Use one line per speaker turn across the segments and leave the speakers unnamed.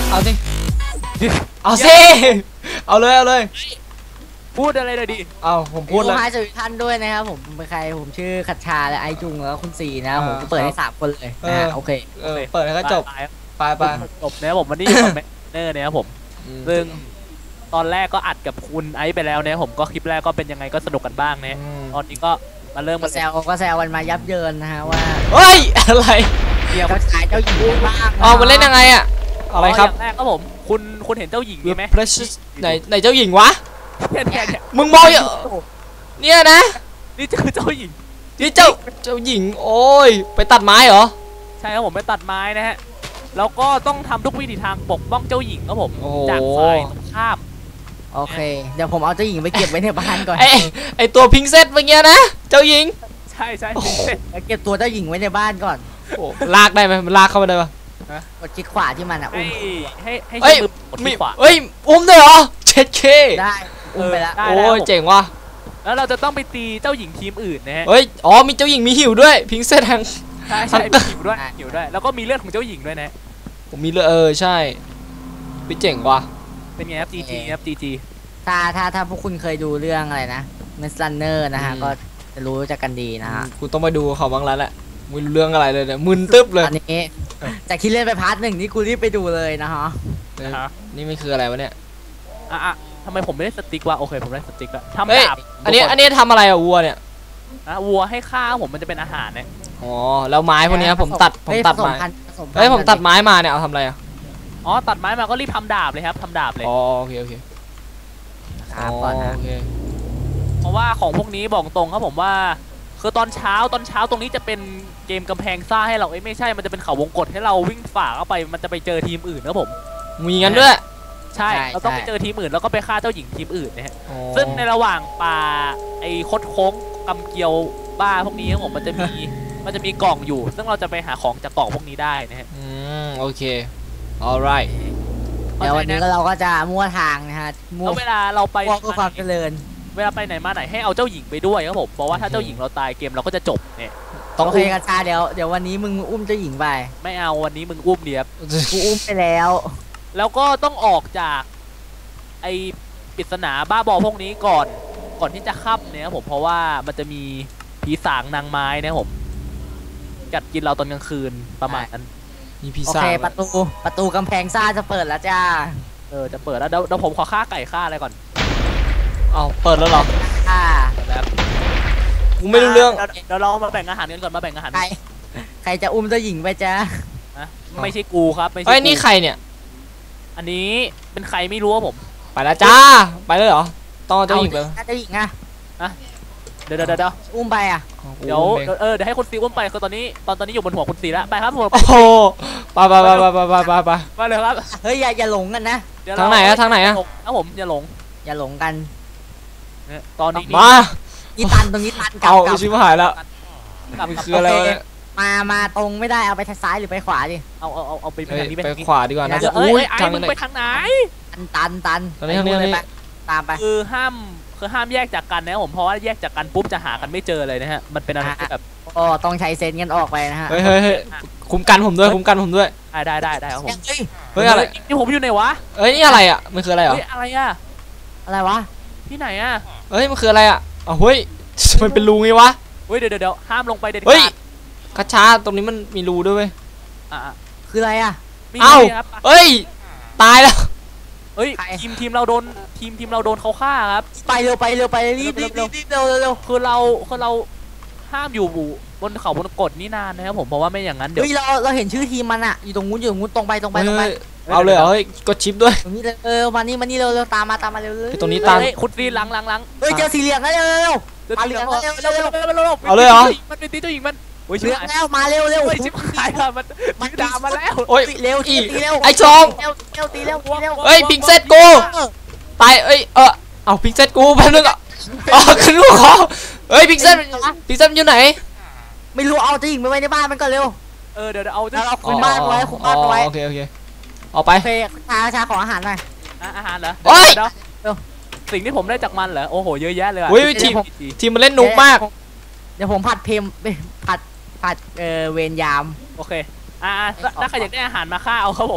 เอาสิเอาสิเอาเลย
พูดอะไรเลยดิ
เอาผมพูดแล้ว
ให้สวัสดีท่านด้วยนะครับผมเป็นใครผมชื่อคัชชาและไอจุงแล้วคุณสีนะผมเปิดให้3 คนเลยนะโอเค
เปิดให้เขาจบไป
จบเนี่ยผมวันนี้อยู่กับเนอร์เนี่ยครับผมซึ่งตอนแรกก็อัดกับคุณไอซ์ไปแล้วเนี่ยผมก็คลิปแรกก็เป็นยังไงก็สนุกกันบ้างเนี่ยตอนนี้ก็มาเริ่ม
ก็แซวกันมายับเยินนะฮะว่า
เฮ้ยอะไร
เดี๋ยวเขาฉายเจ้าหญิงบ้าง
อ๋อมันเล่นยังไงอะอะไรครับ
อย่างแรกก็ผมคุณเห็นเจ้าหญิงไหม
ไหนเจ้าหญิงวะมึงมองเนี่ยนะ
นี่คือเจ้าหญิง
นี่เจ้าหญิงโอ้ยไปตัดไม้เหรอ
ใช่ครับผมไปตัดไม้นะฮะแล้วก็ต้องทำทุกวิถีทางปกป้องเจ้าหญิงครับผมจากฝ่ายตรงข้าม
โอเคเดี๋ยวผมเอาเจ้าหญิงไปเก็บไว้ในบ้านก่อน
ไอตัวพิงเซตเมื่อกี้นะเจ้าหญิง
ใช่
เก็บตัวเจ้าหญิงไว้ในบ้านก่อน
ลากได้ไหมมันลากเข้ามาได้ปะ
กดคลิกขวาที่มันอ่ะอุ้ม
ให้มือกดคลิกขวา
อุ้มได้เหรอเช็ดเค
ได้อุ้มไปแล้ว
โอ้ยเจ๋งว่ะ
แล้วเราจะต้องไปตีเจ้าหญิงทีมอื่นนะฮะ
อ๋อมีเจ้าหญิงมีหิวด้วยพิงเซตทาง
ใช่หิวด้วยแล้วก็มีเลือดของเจ้าหญิงด้วยนะ
ผมมีเลือดใช่พี่เจ๋งว่ะ
เป็นไงครับจีครับจี
ถ้าพวกคุณเคยดูเรื่องอะไรนะเมสลันเนอร์นะฮะก็จะรู้จักกันดีนะฮะ
คุณต้องไปดูเขาบ้างแล้วแหละไม่รู้เรื่องอะไรเลยเนี่ยมึนตึ๊บเลย
อันนี้จากที่เล่นไปพาร์ท 1นี่กูรีบไปดูเลยนะฮะ
นี่ไม่คืออะไรวะเนี่ย
ทำไมผมไม่ได้สติ๊กวะโอเคผมได้สติ๊กแล้วทำดาบ
อันนี้ทำอะไรอะวัวเนี่ย
วัวให้ข้าวผมมันจะเป็นอาหารเนี่ย
อ๋อแล้วไม้พวกนี้ผมตัดไม้ผมตัดไม้มาเนี่ยเอาทำอะไรอะ
อ๋อตัดไม้มาก็รีบทำดาบเลยครับทำดาบเลย
อ๋อโอเค
ครับก่อนนะ
เพราะว่าของพวกนี้บอกตรงครับผมว่าคือตอนเช้าตรงนี้จะเป็นเกมกำแพงซ่าให้เราไม่ใช่มันจะเป็นเขาวงกฏให้เราวิ่งฝ่าเข้าไปมันจะไปเจอทีมอื่นนะผม
มีงั้นด้วย
ใช่เราต้องไปเจอทีมอื่นแล้วก็ไปฆ่าเจ้าหญิงทีมอื่นนะฮะซึ่งในระหว่างป่าไอ้คดโค้งกำเกียวบ้าพวกนี้ครับผมมันจะมีกล่องอยู่ซึ่งเราจะไปหาของจากกล่องพวกนี้ได้นะฮะ
โอเค alright
เดี๋ยววันนี้เราก็จะมั่วทางนะฮะ
แล้วเวลาเราไป
ก็ความเจริญ
เวลาไปไหนมาไหนให้เอาเจ้าหญิงไปด้วยครับผมเพราะว่าถ้าเจ้าหญิงเราตายเกมเราก็จะจบเนี่ย
โอเคกัญชาเดี๋ยววันนี้มึงอุ้มเจ้าหญิงไป
ไม่เอาวันนี้มึงอุ้มเดียบ
กูอุ้มไปแล้ว
แล้วก็ต้องออกจากไอ้ปริศนาบ้าบอพวกนี้ก่อนที่จะค่ำเนี่ยผมเพราะว่ามันจะมีผีสางนางไม้นะผมกัดกินเราตอนกลางคืนประมาณนั้น
มีผี
สางโอเคประตูกำแพงซ่าจะเปิดแล้วจ้า
จะเปิดแล้วเดี๋ยวผมขอฆ่าไก่ฆ่าอะไรก่อน
เอาเปิดแล้วเหรอ
แล้ว
กูไม่รู้เรื่อง
เดี๋ยวเรามาแบ่งอาหารกันก่อนมาแบ่งอาหาร
ใครจะอุ้มเจ้าหญิงไปจ้า
ไม่ใช่กูครับไม่ใช่
นี่ใครเนี่ย
อันนี้เป็นใครไม่รู้ว่าผม
ไปแล้วจ้าไปเลยเหรอต้องเจ้าหญิงไป
เจ้าหญิงอะ
เดี๋ยว
อุ้มไปอะ
เดี๋ยวให้คุณซีอุ้มไปคือตอนนี้อยู่บนหัวคุณซีแล้วไปครับผม
โอ้โหไป
มาเลยครับ
เฮ้ยอย่าหลงกันนะ
ทางไหนอะ
ครับผมอย่าหลง
กัน
ตอนนี้
มา
นี่ตันตรงนี้ตัน
เอาชิบหายแล้วคืออะไร
มาตรงไม่ได้เอาไปทางซ้ายหรือไปขวาดิ
เอาไปทางนี้
ไปขวาดีกว่านะ
ทางมึงไปทางไหน
ตัน
ตอนนี้
ตามไป
คือห้ามแยกจากกันนะผมเพราะว่าแยกจากกันปุ๊บจะหากันไม่เจอเลยนะฮะมันเป็นอะไรแบบ
ต้องใช้เซนกันออกไปนะฮะ
เฮ้ยคุ้มกันผมด้วย
ได้ครับผม
เฮ้ยอะไร
นี่ผมอยู่ไหนวะ
นี่อะไรอ่ะมันคืออะไรเหรอ
อะไรวะ
ที่ไหนอ่ะ
มันคืออะไรอ่ะเฮ้ยมันเป็นรูไงวะ
เดี๋ยวห้ามลงไปเด็ดขาด
เฮ้ยกระชาตรงนี้มันมีรูด้วยเว้ย
คืออะไรอ่ะ
ตายแล้ว
ทีมเราโดนเขาฆ่าครับ
ไปเร็วรีบเร็ว
คือเราห้ามอยู่บนเขาบนกฎนี่นานนะครับผมเพราะว่าไม่อย่างนั้นเดี๋ยว
เราเห็นชื่อทีมมันอะอยู่ตรงนู้นตรงไป
เอาเลยกดชิปด้วย
ตรงนี้มานี่เร็วตามมาเร็ว
ตรงนี้ตาม
คุณซีหลัง
เจอสีเหลืองแล้วเร็ว
มาเหลือง
เอาเลยเหรอ
มันเป็นตีเจ้าหญิงมัน
เหลืองแล้วมาเร็ว
ชิบหายแล้วมันด่ามาแล้ว
เร็วตีเร็ว
ไอ้ชอง
ตีเร็ว
พิงเซตกูตายเอาพิงเซตกูแป๊บนึงขึ้นลูกคอพิงเซตอยู่ไหน
ไม่รู้เอาเจ้าหญิงไปไว้ในบ้านมันก่อนเร็ว
เดี๋ยวเอา
คุมบ้านไว้
โอเคเอาไป
ชาขออาหารหน่อย
อาหารเหรอสิ่งที่ผมได้จากมันเหรอโอ้โหเยอะแยะเลย
ทีมมันเล่นนุกมาก
เดี๋ยวผมผัดเวรยาม
โอเคถ้าใครอยากได้อาหารมาฆ่าเอาครับผม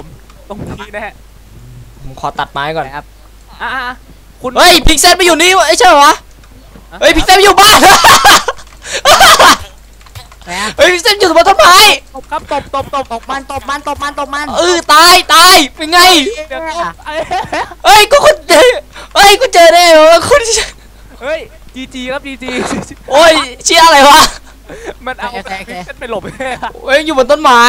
ตรงนี้นะฮะ
ผมขอตัดไม้ก่อน
ครับ
อ่ะคุณ
เฮ้ยพิกเซลไปอยู่นี่วะใช่เหรอวะเฮ้ยพิกเซลอยู่บ้าน
นะ
เฮ้ยพิกเซลอยู่บนต้นไม้
ตบครับตบ
ตบมันตบมันตบมันตบมัน
ตายเป็นไง
เดี๋ยว
เฮ้ยกูคนเจอเฮ้ยกูเจอได้เหรอคุณ
เฮ้ยจีครับจี
โอ้ยเชี่ยอะไรวะ
มันเอาไปหลบ
เฮ้ยอยู่บนต้นไม้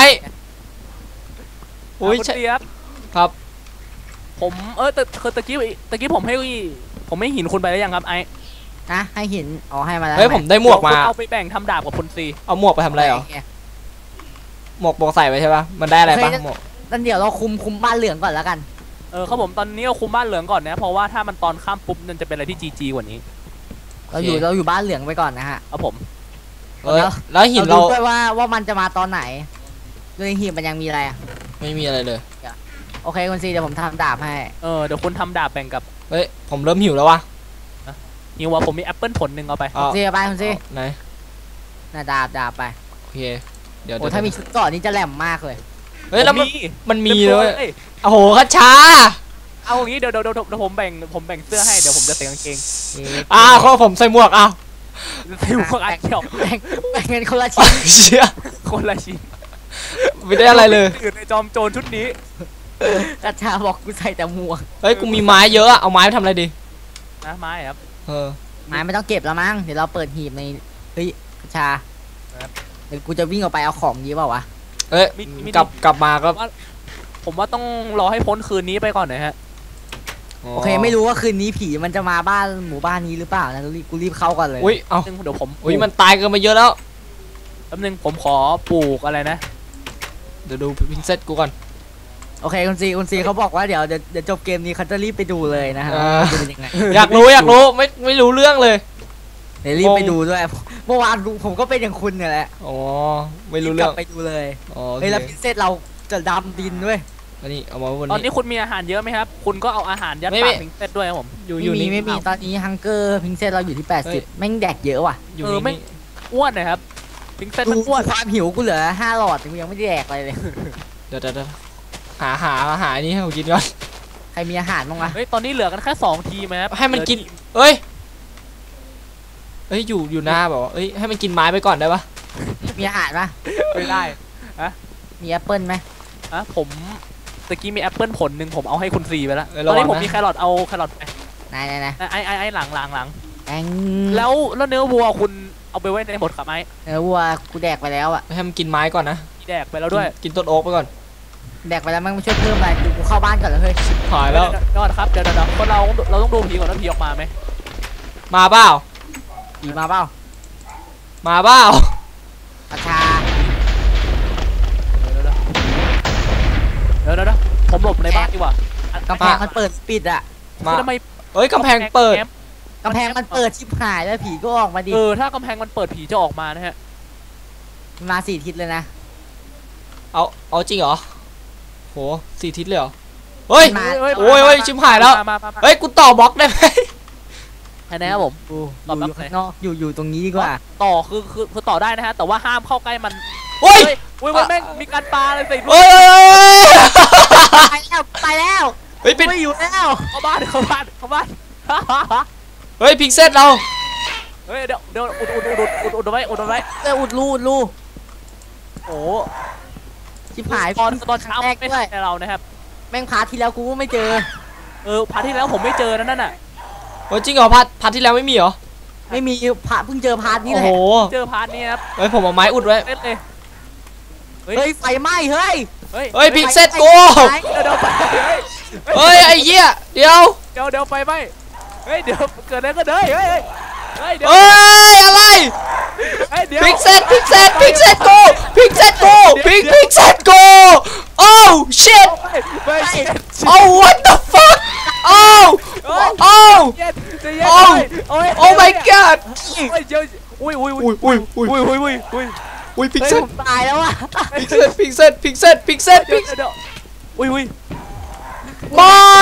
โอ้ย
คุณ
ใช่
เจี๊ยบ
ครับ
ผมตะกี้ผมให้หินคุณไปแล้วยังครับไอ้
นะให้หินอ๋อให้มาแล้ว
เฮ้ยผมได้หมวกมา
เอาไปแบ่งทำดาบกับคุณซี
เอาหมวกไปทำอะไรเหรอหมวกใส่ไว้ใช่ปะมันได้อะไรปะหมวก
นั่นเดี๋ยวเราคุมบ้านเหลืองก่อนแล้วกัน
ครับผมตอนนี้เราคุมบ้านเหลืองก่อนนะเพราะว่าถ้ามันตอนข้ามปุ๊บมันจะเป็นอะไรที่จีกว่านี้
เราอยู่บ้านเหลืองไปก่อนนะฮะ
ครับผม
แล้วหินเรา
ดูด้วยว่ามันจะมาตอนไหนด้วยหินมันยังมีอะไรอ่ะ
ไม่มีอะไรเลย
โอเคคุณซีเดี๋ยวผมทำดาบให้
เดี๋ยวคุณทำดาบแบ่งกับ
เฮ้ยผมเริ่มหิวแล้ววะ
หิวว่าผมมีแอปเปิลผลหนึ่งเอาไป
ซีไปคุณซี
ไหน
น่ะดาบไป
โอเคเดี๋ยว
โอ้ถ้ามีชุดก่อนนี่จะแหลมมากเลย
เฮ้ยแล้วมันมีเลย
อ้
โอ้โหคัชชา
เอาอย่างนี้เดี๋ยวผมแบ่งเสื้อให้เดี๋ยวผมจะใส่กางเกง
ข้อผมใส่หมวกอ้าว
ใส่หมวกอันเดียว
แบ่งเงินคนละชิ้น
เชี่ย
คนละชิ้น
ไม่ได้อะไรเลย
ตื่นในจอมโจรชุดนี้
กระชาบอกกูใส่แต่หมวก
เฮ้ยกูมีไม้เยอะอะเอาไม้ไปทำอะไรดี
นะไม้ครับ
ไม้ไม่ต้องเก็บแล้วมั้งเดี๋ยวเราเปิดหีบในเฮ้ยกระชาเดี๋ยวกูจะวิ่งออกไปเอาของนี้เปล่าวะ
เอ้ยกลับมาก็
ผมว่าต้องรอให้พ้นคืนนี้ไปก่อนนะฮะ
โอเคไม่รู้ว่าคืนนี้ผีมันจะมาบ้านหมู่บ้านนี้หรือเปล่านะกูรีบเข้าก่อนเลย
อุ้ยเอา
เดี๋ยวผม
อุ้ยมันตายกันมาเยอะแล้ว
แป๊บนึงผมขอปลูกอะไรนะ
เดี๋ยวดูพินเซตกูก่อน
โอเคคุณซีเขาบอกว่าเดี๋ยวจบเกมนี้เขาจะรีบไปดูเลยนะฮะจะเป็นยังไง
อยากรู้ไม่รู้เรื่องเลย
เดี๋ยวรีบไปดูด้วยเมื่อวานผมก็เป็นอย่างคุณเนี่ยแหละ
อ๋อไม่รู้เรื่อง
ไปดูเลย
อ๋อ
เฮ้ยแล้วพิเศษเราจะดำดินด้วย
อันนี้เอามาบน
ตอนนี้
นี้
คุณมีอาหารเยอะไหมครับคุณก็เอาอาหารยัด
ไม่
ปากพิงเซตด้วยครับผม
อยู่นี่
ไม่มีตอนนี้ฮังเกอร์พิงเซตเราอยู่ที่
เฮ้ย
80แม่งแดกเยอะว่ะ
อยู่
ไม่
นี่
อ้วนนะครับพิงเซต
ดู
มันอ้วน
ความหิวกูเหลือ5 หลอดกูยังไม่ได้แดกอะไรเลย
เดี๋ยวหาอันนี้ให้ผมกินก่อน
ใครมีอาหารบ้างวะ
เฮ้ยตอนนี้เหลือกันแค่2 ทีมนะครับ
ให้มันกินเอ้ยอยู่หน้าแบบว่าเอ้ยให้มันกินไม้ไปก่อนได้ปะ
มีอาหารปะ
ไม่ได้
มีแอปเปิลไหม
ผมตะกี้มีแอปเปิลผลหนึ่งผมเอาให้คุณซีไปแล้ว
เอ้ย
ต
ระ
อน
วัง
นี้ผม
นะ
มีแครอทเอาแครอทไป
ไหน
ไอ้หลัง
แอง
แล้วเนื้อวัวคุณเอาไปไว้ในหมดครับไอ้
วัวกูแดกไปแล้วอ่ะ
ให้มันกินไม้ก่อนนะ
มีแดกไปแล้วด้วย
กินต้นโอ๊กไปก่อน
แดกไปแล้วมันไม่ช่วยเพิ่มอะไรกูเข้าบ้านก่อนเลยเฮ้ย
หายแล้ว
ยอดครับเดี๋ยวคนเราต้องดูผีก่อนว่าผีออกมาไหม
มาเปล่า
ผีมาเปล่า
มาเปล่า
อาชา
เดี๋ยวผมหลบในบ้านดีกว่าก
ำแพงมันเปิดปิดอ่ะ
มา
ทำไม
เอ้ยกำแพงเปิด
กำแพงมันเปิดชิบหายแล้วผีก็ออกมาดิ
ถ้ากำแพงมันเปิดผีจะออกมานะฮะ
มา4 ทิศเลยนะ
เอาจริงเหรอโห4 ทิศเลยเหรอเฮ้ย
มา
โอ้ยชิบหายแล้ว
มา
เฮ้ยกูต่อบล็อกได้ไหม
แค่นี้ครับผม
อยู่ข้างนอกอยู่ตรงนี้ดีกว่า
ต่อคือต่อได้นะฮะแต่ว่าห้ามเข้าใกล้มัน
โอ้ย
อุ้ยมันแม่งมีการปาอะไรใส่
เฮ้ย
ไปแล้ว
เฮ้ยปิด
ไม่อยู่แล้ว
เข้าบ้าน
เฮ้ยพิกเซตเรา
เฮ้ยเดี๋ยวอุดไว้
อุดรู
โอ้
ชิบหาย
ตอนเช้า
แรก
ไม่
ด้วย
ใช่เรานะครับ
แม่งพาร์ทที่แล้วกูก็ไม่เจอ
พาร์ทที่แล้วผมไม่เจอนั่นน่ะ
โอ้ยจริงเหรอพัดที่แล้วไม่มีเหรอ
ไม่มีเพิ่งเจอพาร์ทนี้
โอ้
แห
โห
ละ
เจอพาร์ทนี้ครับ
เฮ้ยผมเอาไม้อุดไว้
เล่นเลย
เฮ้ยไฟไหม้เฮ้ย
เฮ้ยพิกเซตกู
เดี๋ยวไป
เฮ้ยไอ้เหี้ยเดี๋ยว
เดี๋ยวไปไหมเฮ้ยเดี๋ยวเกิดอะไรก็เด้เฮ้ยเดี๋ยว
เฮ้ยอะไร
เดี๋ยว
พิกเซตกูพิกเซตกูพิกเซตกูโอ้ shit
ไป
oh what the fuck oh oh
เย็น
oh my god
อุ้ย
อุ้ยพิก
เฮ้ย
เซต
ผมตายแล้วอ่ะ
พิกเซต
อุ้ย
ไม่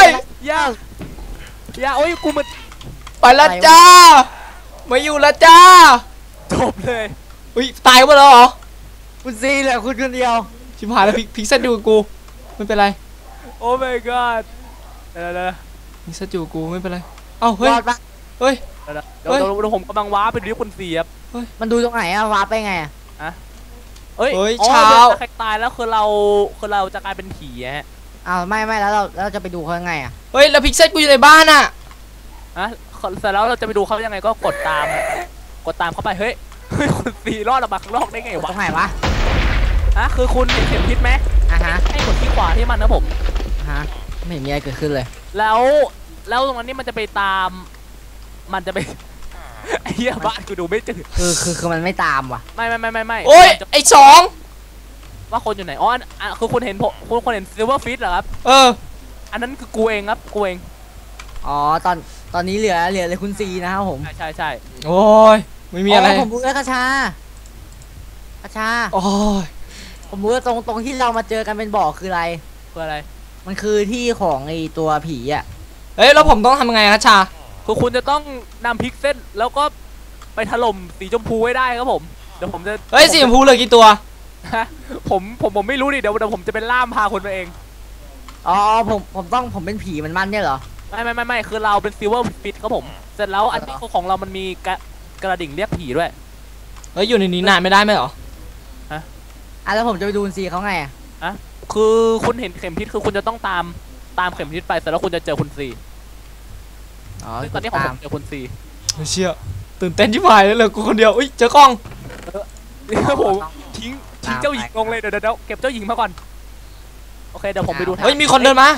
อย่าโอ้ยกูมัน
ไปละจ้าไม่อยู่ละจ้า
จบเลย
อุ้ยตายหมดแล้วเหรอ
คุณซีเหลือคุณคนเดียว
ชิบหายแล้วพิกเซตดูกับกูไม่เป็นไร
โอ้ my god เดี๋ยว
พิกเซตอยู่กูไม่เป็นไรเอ้าเฮ้ย
รอดปะ
เฮ้ย
เดี๋ยวผมกำลังว้าไปดูที่คุณเสียบ
มันดูตรงไหนอะวาร์ปไปไงอะ
เอ้ย
เฮ้ย
อ๋อ
เช้า
ใครตายแล้วคือเราจะกลายเป็นผีฮะ
อ้าวไม่แล้วเราจะไปดูเขายังไงอะ
เฮ้ยแล้วพิกเซตกูอยู่ในบ้านอ่ะ
เสร็จแล้วเราจะไปดูเขายังไงก็กดตามเข้าไปเฮ้ยคุณสีรอดออกมาข้างนอกได้ไง
ต
วะ
รงไหนวะ
คือคุณเห็นเข็มทิศไหม
อ่ะฮะ
ให้กดที่ขวาที่มันนะผม
ฮะไม่เห็นมีอะไรเกิดขึ้นเลย
แล้วตรงนั้นนี่มันจะไปตามมันจะไป ไอ้เหี้ยบ้านกูดูไม่จืด
คือมันไม่ตามว่ะ
ไม่
โอ้ยไอ้สอง
ว่าคนอยู่ไหนอ๋อคือคุณเห็นคุณเห็นซิลเวอร์ฟิชเหรอครับ อันนั้นคือกูเองครับกูเอง
อ๋อตอนนี้เหลือเลยคุณซีนะครับผม
ใช่
โอ้ยไม่มีอะไร
ผมรู้แล้วกระชา
โอ้ย
ผมรู้ว่าตรงที่เรามาเจอกันเป็นบ่อคืออะไร
คืออะไร
มันคือที่ของไอตัวผีอ่ะ
เฮ้ยแล้วผมต้องทำยังไงครับชา
คือคุณจะต้องนำพิกเซลแล้วก็ไปถล่มสีชมพูให้ได้ครับผมเดี๋ยวผมจะ
เฮ้ยสีชมพูเหลือกี่ตัว
ผมไม่รู้ดิเดี๋ยวผมจะเป็นล่ามพาคนไปเอง
อ๋อผมเป็นผีมันเนี่ยเหรอ
ไม่คือเราเป็นซิลเวอร์ฟิชครับผมเสร็จแล้วอันนี้ของเรามันมีกระดิ่งเรียกผีด้วย
เฮ้ยอยู่ในนี้นานไม่ได้ไหมเหรอ
แล้วผมจะไปดูคุณซีเขาไงอะ
คือคุณเห็นเข็มทิศคือคุณจะต้องตามเข็มทิศไปเสร็จแล้วคุณจะเจอคุณซี
อ๋อ
ซึ่งตอนนี้ของผมเจอคุณซี
เชี่ยตื่นเต้นที่ผายเลยเหลือกูคนเดียวอุ้ยเจอกล้อง
ครับผมทิ้งเจ้าหญิงลงเลยเดี๋ยวเก็บเจ้าหญิงมาก่อนโอเคเดี๋ยวผมไปดูทาง
เฮ้ยมีคนเดินมา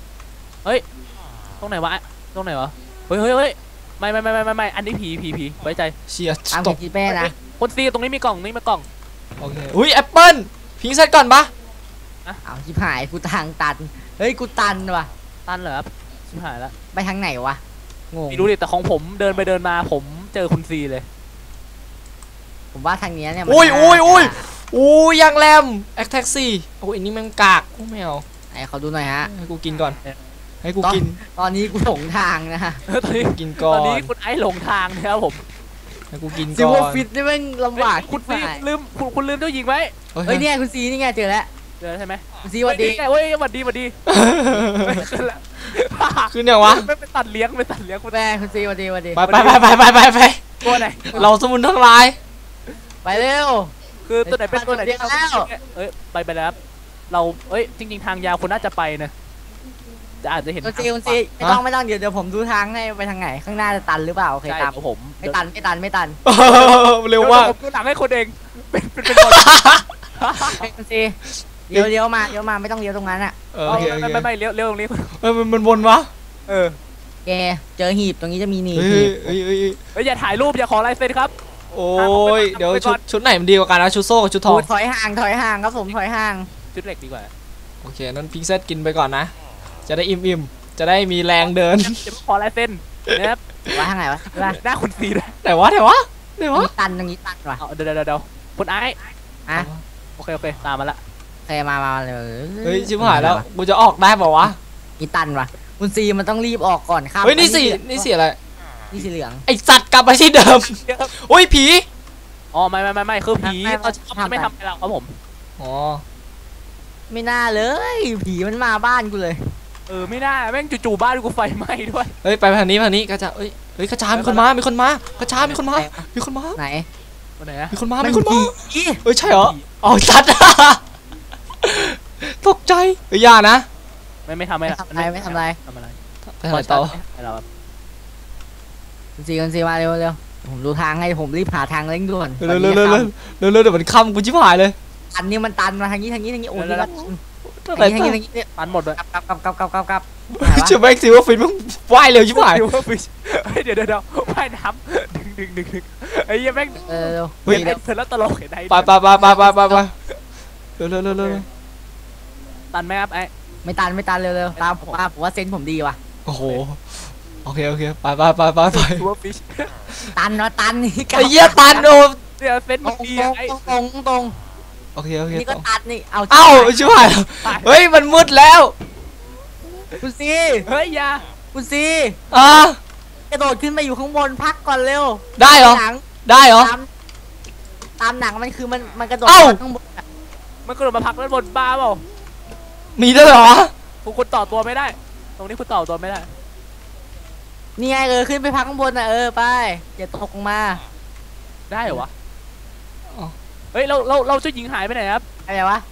ตรงไหนวะเฮ้ยไม่อันนี้ผีไว้ใจ
เชี่ย
ตาม
ต
เข็
ก
มทิศแม่นะ
คุณซีตรงนี้มีกล่องนี่มีกล่อง
โอเคอุ้ยแอปเปิ้ลพิงเซตก่อนปะ
เอาชิบหายกูทางตันเฮ้ยกูตันว่ะ
ตันเหรอครับชิบหายแล้ว
ไปทางไหนวะงง
ไม่รู้ดิแต่ของผมเดินไปเดินมาผมเจอคุณซีเลย
ผมว่าทางเนี้ยเนี่ย
อุ้ยยังแรมแอคแท็กซี่โอ้ยอันนี้มันกากโอ้ไม่เอา
ไหนเขาดูหน่อยฮะ
ให้กูกินก่อนให้กูกิน
ตอนนี้กูหลงทางนะฮะ
ตอนนี้
กินก่อ
ตอนนี้
น
คุณไอ้หลงทางนะครับผม
ให้กูกิน
ซิล
ก่
เว
อ
อร์
น
ฟิตนี่แม่งลำบาก
คุณซี
ชิบหาย
ลืมคุณลืมเจ้าหญิงไว้
เฮ้ยเนี่ยคุณซีนี่ไงเจอแล้ว
เจอใช่ไหม
คุณซีสวัสดี
เฮ้ยสวัสดีไม่ขึ้นละ
คือเนี่ยวะ
ไม่ไปตัดเลี้ยงคุณ
แม่คุณซีสวัสดี
ไป
ตัวไหน
เราสมุนทั้งหลาย
ไปเร็ว
คือตัวไหนเป็นตัวไหนที่เรา
เดี๋ยวแล้ว
ไปแล้วครับเราจริงๆทางยาวคุณน่าจะไปนะจะอาจจะเห็น
คุณซีไม่ต้องเดี๋ยวผมดูทางให้ไปทางไหนข้างหน้าจะตันหรือเปล่าโอเค
ใช่
ตาม
ครับผม
ไม่ตัน
เร็วมาก
ผมดูหลังให้คนเองเป็นคน
คุณซีเลี้ยวมาไม่ต้องเลี้ยวตรงนั้นอ่ะ
โอเค
ไม่เลี้ยวตรงนี้
มันวนวะ
แกเจอหีบตรงนี้จะมีหนีบ
เฮ้
หี
ย
บ
เฮ้ย
อย่าถ่ายรูปอย่าขอลายเซ็นครับ
โอ้ยเดี๋ยวชุดไหนมันดีกว่ากันนะชุดโซ่กับชุดทอง
ถอยห่างครับผมถอยห่าง
ชุดเหล็กดีกว่า
โอเคนั้นพิงเซตกินไปก่อนนะจะได้อิ่มจะได้มีแรงเดิน
จะขอลายเซ็นนะครับ
ว่าทางไหนวะ
หน้าคุณซีด้วย
แต่ว่า
ตรงนี้ตันว่ะ
เดี๋ยวคุณไอ้
อ่ะ
โอเคตามมาละ
โอเคมาเลย
เฮ้ยชิบหายแล้วกูจะออกได้เปล่าวะ
มีตันว่ะคุณซีมันต้องรีบออกก่อนครับ
เฮ้ยนี่สีอะไร
นี่สีเหลือง
ไอสัตว์กลับไปที่เดิมโอ้ยผี
อ๋อไม่คือผีเขาจะไม่ทำอะไรเราครับผม
อ๋อ
ไม่น่าเลยผีมันมาบ้านกูเลย
ไม่น่าแม่งจู่ๆบ้านกูไฟไหม้ด้วย
เฮ้ยไปทางนี้กระจาเฮ้ยกระจามีคนมากระจามีคนมา
ไหน
วันไหนอะ
มีคนมา
ผี
เฮ้ยใช่เหรออ๋อสัตว์ตกใจเฮ้ยอย่านะ
ไม่ทำอะไร
ไม่ทำอะไร
ไปไหนต่อ
เราแบบ
คุณซีมาเร็วผมดูทางให้ผมรีบหาทางเร่งด่วน
เร็วเดี๋ยวมันค่ำกูชิบหายเลย
อันนี้มันตันมาทางนี้โอ้ย
อะไร
ทางนี้
ตันหมดเลย
กลับ
เชื่อแม็กซิว่าฟินมึงว่ายเร็วชิบหาย
เดี๋ยวว่ายน้ำดึงไอ้ยังแม่ง
เร็ว
เฮ้ยเธอแล้วตลกเห็นไหม
ไปเร็ว
ตันไหมครับไอ้
ไม่ตันเร็วตามผมว่าเซนผมดีว่ะ
โอ้โหโอเคไป
ตัวฟิช
ตันนี่
ไอ้เหี้ยตันโดน
เดี๋ยวเซ็นมันดีไอ้
ตรง
โอเค
นี่ก็ตันนี่เอา
เอ้าชิบหายเฮ้ยมันมืดแล้ว
คุณซี
เฮ้ยยา
คุณซี กระโดดขึ้นไปอยู่ข้างบนพักก่อนเร็ว
ได้เหรอ
ตามหนังมันคือมันกระโดดข้างบน
มันกระโดดมาพักด้านบนบ้าเปล่า
มีด้วยเหรอ
คุณต่อตัวไม่ได้ ตรงนี้คุณต่อตัวไม่ได้
นี่ไงขึ้นไปพักข้างบนนะไปอย่าตกลงมา
ได้เหรอวะ
อ๋อ
เฮ้ยเราเจ้าหญิงหายไปไหนครับ
อะไรวะ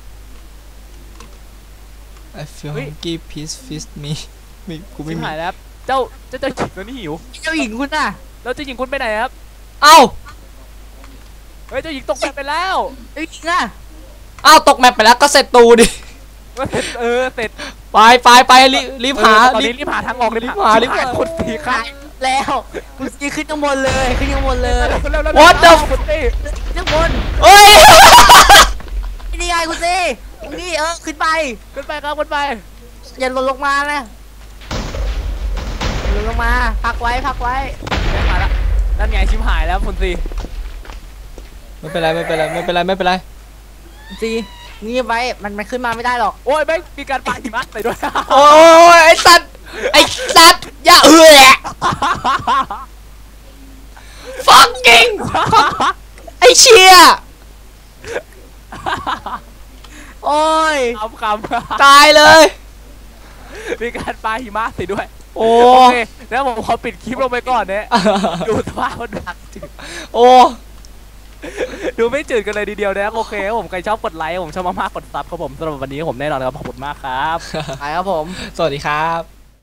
I feel
เฮ้ย
hungry please feed me ไม่กูไม่
ชิบ
มี
หายแล้วครับเจ้าหญิงตัวนี้หิว
เจ้าหญิงคุณน่ะ
แล้วเจ้าหญิงคุณไปไหนครับ
เอ้า
เฮ้ยเจ้าหญิงตกแบบไปแล้ว
เจ้าหญิงอ่ะ
เอ้าตกแมปไปแล้วก็เสร็จตูดิ
เสร็จ
ไปรีบหา
ตอนนี้รีบหาทางออกเลย
รีบหา
คุณตีครั
หา
บ
ยแล้วกูซีขึ้นข้างบนเลยขึ้นข้างบนเลย
What the
คุณตี
ขึ้นข้างบน
เอ้ย
นี่ไงกูซีตรงนี้ขึ้นไป
ขึ้นไปครับขึ้นไป
อย่าหล่นลงมานะอย่าหล่นลงมาพักไว้
มาละนั่นไงชิมหายแล้วคุณตี
ไม่เป็นไร
ซีนี่ไว้มันขึ้นมาไม่ได้หรอก
โอ้ยแม่งมีการปาหิมะใส่ด้วย
โอ้ยไอ้สัตว์อย่าfucking ไอ้เชี่ย
โอ้ย
คำ
ตายเลย
มีการปาหิมะใส่ด้วย
โอ้
โอเคแล้วผมขอปิดคลิปลงไปก่อนเนี่ยดูสภาพมันดักจืด
โอ้
ดูไม่จืดกันเลยทีเดียวนะครับโอเคครับผมใครชอบกดไลค์ผมชอบมากๆกดซับครับผมสำหรับวันนี้ผมแน่นอนครับขอบคุณมากครับ
ไปครับผม
สวัสดีครับ